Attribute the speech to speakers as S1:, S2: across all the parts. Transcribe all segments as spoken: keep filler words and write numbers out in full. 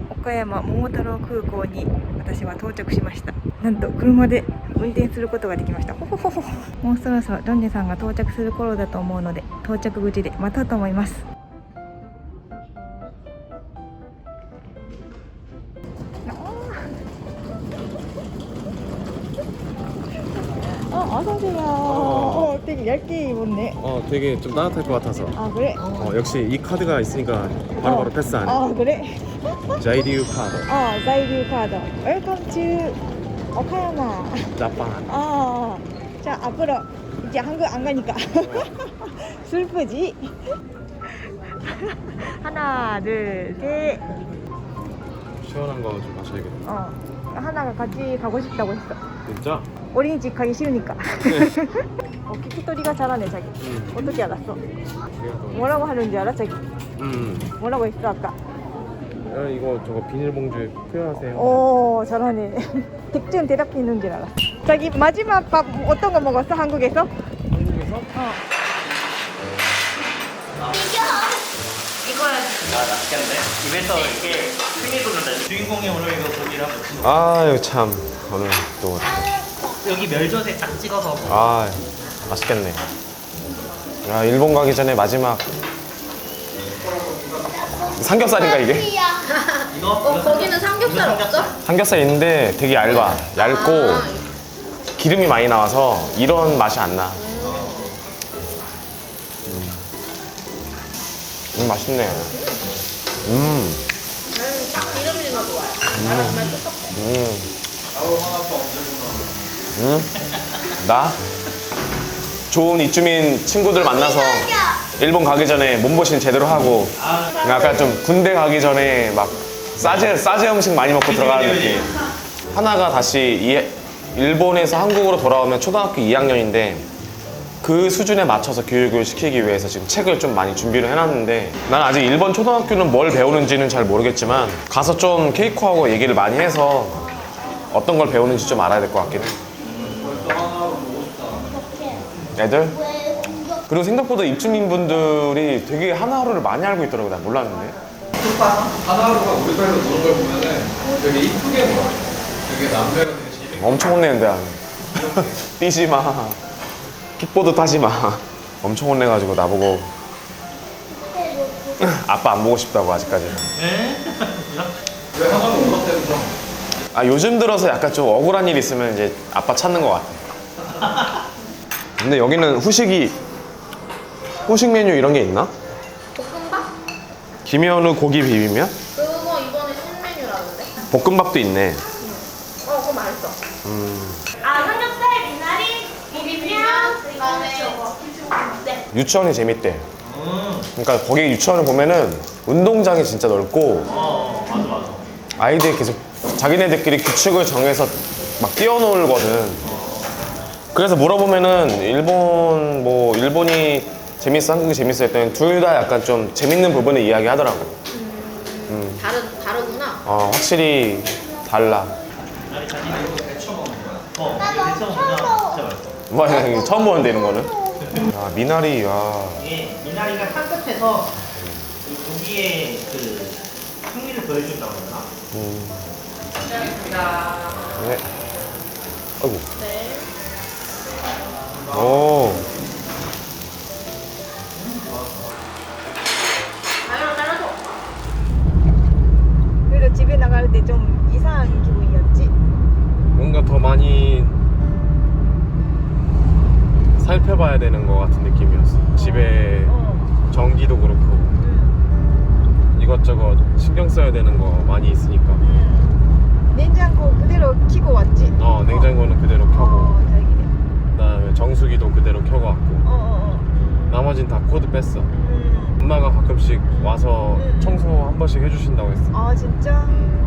S1: 岡山桃太郎空港に私は到着しました。なんと車で運転することができました。ほほほほ。もうそろそろロンジェさんが到着する頃だと思うので、到着口で待とうと思います。아, 어서오세요. 어, 되게 얇게 입었네.
S2: 어, 되게 좀 따뜻할 것 같아서.
S1: 아, 그래?
S2: 어, 역시 이 카드가 있으니까 바로바로
S1: 어.
S2: 패스하네.
S1: 아, 그래?
S2: 자이리우 카드.
S1: 어, 자이류 카드. 웰컴 투 오카야마.
S2: 자판.
S1: 아, 자, 앞으로 이제 한국 안 가니까. 슬프지? 하나, 둘, 셋.
S2: 시원한 거 좀 마셔야겠다.
S1: 어, 하나가 같이 가고 싶다고 했어.
S2: 진짜?
S1: 어린이집 가기 싫으니까. 어, 키키토리가 잘하네, 자기.
S2: 응.
S1: 어떻게 알았어?
S2: 음.
S1: 뭐라고 하는지 알아, 자기?
S2: 음.
S1: 뭐라고 했어, 아까?
S2: 야, 이거 저거 비닐봉지에 표현하세요.
S1: 오, 잘하네. 득점 대답했는 줄 알았어. 자기 마지막 밥 어떤 거 먹었어, 한국에서?
S2: 한국에서?
S1: 어.
S3: 아, 맛있겠네. 입에서 이게 흥이 돋는다. 주인공이 오늘 이거 고기를 한번 지
S2: 아유 참 오늘 또.
S3: 여기 멸젓에 딱 찍어서.
S2: 아 맛있겠네. 야 일본 가기 전에 마지막 삼겹살인가 이게?
S3: 이거?
S4: 어, 거기는 삼겹살 없어?
S2: 삼겹살 있는데 되게 얇아. 얇고
S4: 아.
S2: 기름이 많이 나와서 이런 맛이 안 나. 음, 음 맛있네. 음.
S4: 나는 딱 기름지가 좋아요. 나랑 정말 똑같아.
S2: 음. 음. 나 좋은 이주민 친구들 만나서 일본 가기 전에 몸보신 제대로 하고 약간 좀 군대 가기 전에 막 싸제 싸제 음식 많이 먹고 들어가는 느낌. 하나가 다시 이, 일본에서 한국으로 돌아오면 초등학교 이 학년인데 그 수준에 맞춰서 교육을 시키기 위해서 지금 책을 좀 많이 준비를 해놨는데 난 아직 일본 초등학교는 뭘 배우는지는 잘 모르겠지만 가서 좀 케이코하고 얘기를 많이 해서 어떤 걸 배우는지 좀 알아야 될 것 같긴 해. 애들? 그리고 생각보다 입주민분들이 되게 하나하루를 많이 알고 있더라고. 난 몰랐는데.
S5: 하나하루가 우리 별로 노는 걸 보면은 되게 이쁘게 놀아. 되게 남자가 되게 재밌게.
S2: 엄청 혼내는데 뛰지 마. 킥보드 타지 마. 엄청 혼내가지고 나보고 아빠 안 보고 싶다고 아직까지.
S5: 왜 하나도 울었대면서?
S2: 아 요즘 들어서 약간 좀 억울한 일 있으면 이제 아빠 찾는 것 같아. 근데 여기는 후식이 후식 메뉴 이런 게 있나?
S4: 볶음밥?
S2: 김현우 고기 비빔면?
S4: 그거 이번에 신메뉴라는데?
S2: 볶음밥도 있네.
S4: 어, 그거 맛있어.
S2: 음.
S4: 아, 삼겹살, 미나리, 비빔면, 그다음에 저거. 네.
S2: 유치원이 재밌대.
S3: 음.
S2: 그러니까 거기 유치원을 보면은 운동장이 진짜 넓고
S3: 어, 맞아, 맞아.
S2: 아이들이 계속 자기네들끼리 규칙을 정해서 막 뛰어놀거든. 그래서 물어보면은 일본 뭐 일본이 재밌어 한국이 재밌어 했더니 둘 다 약간 좀 재밌는 부분을 이야기하더라고.
S4: 음, 다르, 다르구나.
S2: 어 확실히 달라.
S3: 아니, 자기는 이거 데쳐 먹는 거야. 어, 이게 데쳐 먹으면 진짜 맛있어.
S2: 뭐 이거 처음 보는데 이런 거는. 아 미나리 야.
S3: 이게 미나리가 향긋해서 그 고기의 그 풍미를 더해준다고 해야 되나?
S2: 음. 네. 아이고.
S4: 네.
S2: 오.
S4: 자유로 잘라줘.
S1: 그래도 집에 나갈 때 좀 이상한 기분이었지?
S2: 뭔가 더 많이 살펴봐야 되는 것 같은 느낌이었어. 집에
S1: 어.
S2: 전기도 그렇고
S1: 응.
S2: 이것저것 신경 써야 되는 거 많이 있으니까.
S1: 응. 냉장고 그대로 켜고 왔지?
S2: 어 냉장고는 그대로 켜고
S1: 어, 다행이네.
S2: 그다음에 정수기도 그대로 켜갖고
S1: 어, 어, 어.
S2: 나머진 다 코드 뺐어.
S1: 음.
S2: 엄마가 가끔씩 와서
S1: 음.
S2: 청소 한 번씩 해주신다고 했어.
S1: 아, 진짜?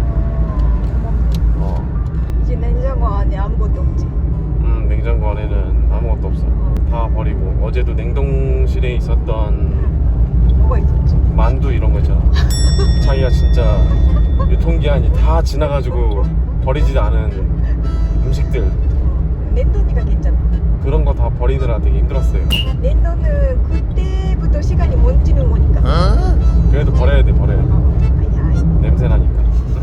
S2: 어.
S1: 이제 냉장고 안에 아무것도 없지?
S2: 음 냉장고 안에는 아무것도 없어. 다 버리고 어제도 냉동실에 있었던
S1: 응. 뭐가 있었지?
S2: 만두 이런 거 있잖아. 자기가 진짜 유통기한이 다 지나가지고 버리지도 않은 음식들
S1: 냉동이가 괜찮아.
S2: 그런 거 다 버리느라 되게 힘들었어요.
S1: 냉동은 그때부터 시간이 멈추는 거니까.
S2: 그래도 버려야 돼 버려야 돼.
S1: 어, 아니야, 아니야.
S2: 냄새 나니까.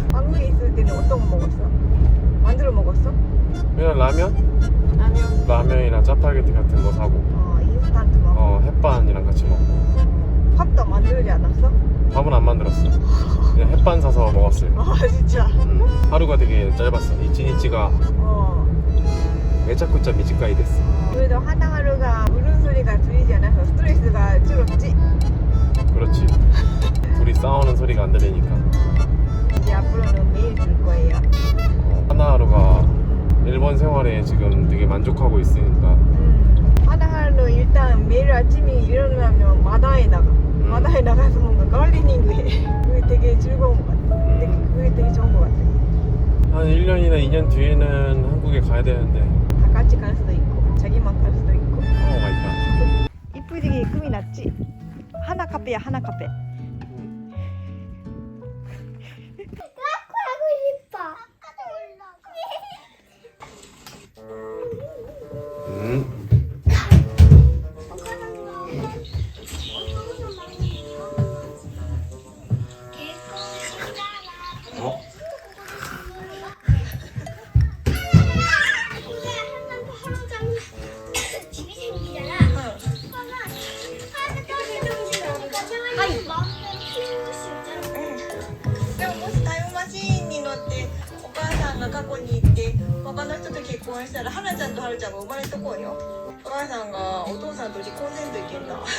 S1: 만들어 먹었어?
S2: 그냥 라면?
S1: 라면.
S2: 라면이랑 짜파게티 같은 거 사고
S1: 어, 인스턴트 먹어.
S2: 어 햇반이랑 같이 먹고.
S1: 밥도 만들지 않았어?
S2: 밥은 안 만들었어. 그냥 햇반 사서 먹었어요.
S1: 아 진짜.
S2: 음. 하루가 되게 짧았어. 이치니치가
S1: 어.
S2: 매자쿠짜 미지까이 됐어.
S1: 그래도 하나하루가 울음소리가 들리지 않아서 스트레스가 줄었지?
S2: 그렇지. 둘이 싸우는 소리가 안 들리니까.
S1: 이제 앞으로는 매일 들 거예요.
S2: 어, 하나하루가 일본 생활에 지금 되게 만족하고 있으니까.
S1: 음, 하나하루 일단 매일 아침에 일어나면 마다에 나가. 마다에 나가서 뭔가 가울리닝을 해. 그게 되게 즐거운 것 같아. 되게, 그게 되게 좋은 것 같아.
S2: 한 일 년이나 이 년 뒤에는 한국에 가야 되는데.
S1: 다 같이 갈 수도 있고, 자기만 갈 수도 있고.
S2: 오 마이 갓.
S1: 이쁘게 꿈이 났지? 하나 카페야, 하나 카페.
S6: 하고 싶어.
S2: 음. 어?
S6: 집이 생기잖아. 그러면 하나 떨어지니까 상황이 마음대로 키울 수 있잖아.
S1: でももしタイムマシーンに乗ってお母さんが過去に行って他の人と結婚したら花ちゃんとはるちゃんが生まれとこうよ。お母さんがお父さんと離婚せんといけんな。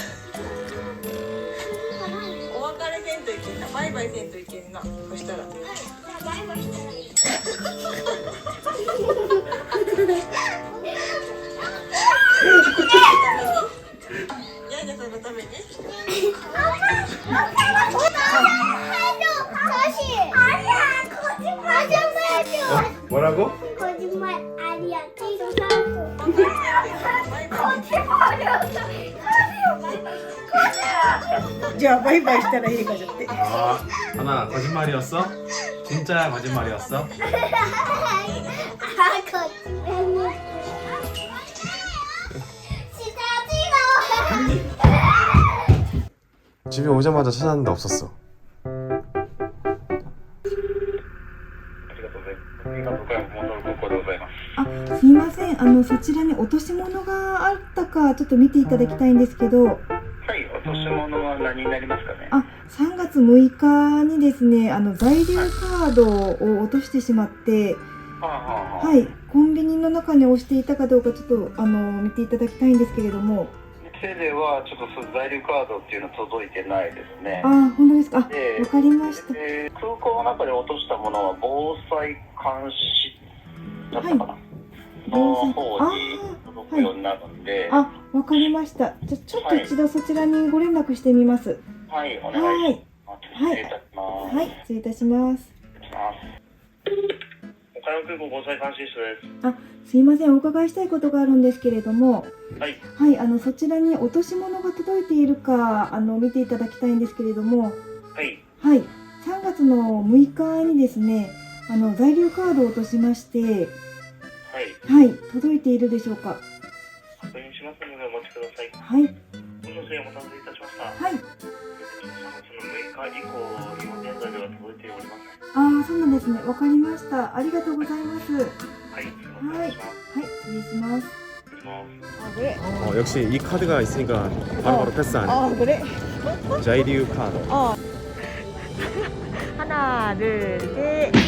S1: お別れせんといけんな。バイバイせんといけんな。そしたら。
S6: じゃあバイバイしたらいい。
S1: ヤギさんのために。
S6: 아니야, 거짓말 좀 해줘.
S2: 뭐라고?
S6: 거짓말 아니야. 지금 사고. 거짓말이었어. 거짓말.
S1: じゃあバイバイしたらいいかじゃって。
S2: 아, 하나 거짓말이었어? 진짜 거짓말이었어?
S6: 아, 거짓말. 진짜 찍어.
S2: 집에 오자마자 찾았는데 없었어.
S1: あ、すいません。あのそちらに落とし物があったかちょっと見ていただきたいんですけど。
S7: はい、落とし物は何になりますかね。
S1: あ、さんがつむいかにですね、あの在留カードを落としてしまって、
S7: はあはあはあ、
S1: はい、コンビニの中に押していたかどうかちょっとあの見ていただきたいんですけれども。
S7: 店ではちょっとその在留カードっていうの届いてないですね。
S1: あ、本当ですか。あ、わ
S7: で
S1: かりました。
S7: で空港の中で落としたものは防災監視だったかな、
S1: はい
S7: の方に届くようになるんで、
S1: あ、わかりました。じゃあちょっと一度そちらにご連絡してみます。
S7: はい、お願いします。
S1: はい
S7: 失礼いたします。
S1: はい、失礼いたします。
S7: 失礼します岡山空港防災監視室です。
S1: あ、すいません、お伺いしたいことがあるんですけれども、
S7: はい、
S1: はい、あのそちらに落とし物が届いているかあの見ていただきたいんですけれども、
S7: はい、
S1: はい、さんがつのむいかにですね、あの在留カードを落としまして、
S7: はい、
S1: はい、届いているでしょうか。
S7: 確認しますのでお待ちください。
S1: はい、
S7: ご乗船お待たせいたしました。
S1: はい、
S7: さんがつのむいか以降、今現在では届いておりません。
S1: ああ、そうなんですね。わかりました。ありがとうございます。はい、
S7: はい、すいません、お願いします。
S1: 失礼します。
S7: 失礼します。
S1: 아 그래?
S2: 어, 역시 이 카드가 있으니까 바로바로 패스하네.
S1: 아 그래?
S2: 자이리우 카드.
S1: 어. 하나, 둘, 셋.